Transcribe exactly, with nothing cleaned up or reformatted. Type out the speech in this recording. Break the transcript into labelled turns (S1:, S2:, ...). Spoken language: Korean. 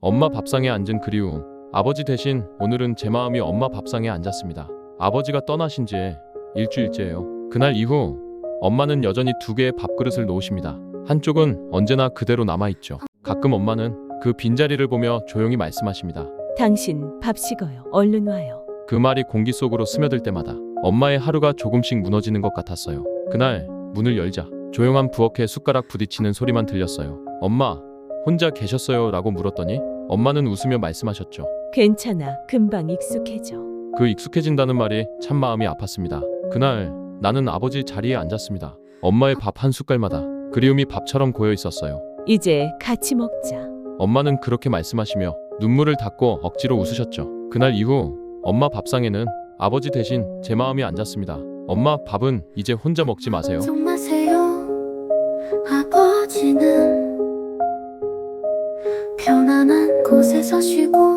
S1: 엄마 밥상에 앉은 그리움. 아버지 대신 오늘은 제 마음이 엄마 밥상에 앉았습니다. 아버지가 떠나신 지 일주일째예요. 그날 이후 엄마는 여전히 두 개의 밥그릇을 놓으십니다. 한쪽은 언제나 그대로 남아있죠. 가끔 엄마는 그 빈자리를 보며 조용히 말씀하십니다.
S2: 당신 밥 식어요. 얼른 와요.
S1: 그 말이 공기 속으로 스며들 때마다 엄마의 하루가 조금씩 무너지는 것 같았어요. 그날 문을 열자 조용한 부엌에 숟가락 부딪히는 소리만 들렸어요. 엄마, 혼자 계셨어요? 라고 물었더니 엄마는 웃으며 말씀하셨죠.
S2: 괜찮아. 금방 익숙해져.
S1: 그 익숙해진다는 말이 참 마음이 아팠습니다. 그날 나는 아버지 자리에 앉았습니다. 엄마의 밥 한 숟갈마다 그리움이 밥처럼 고여 있었어요.
S2: 이제 같이 먹자.
S1: 엄마는 그렇게 말씀하시며 눈물을 닦고 억지로 웃으셨죠. 그날 이후 엄마 밥상에는 아버지 대신 제 마음이 앉았습니다. 엄마, 밥은 이제 혼자 먹지 마세요.
S3: 걱정 마세요. 아버지는 편안한 곳에서 쉬고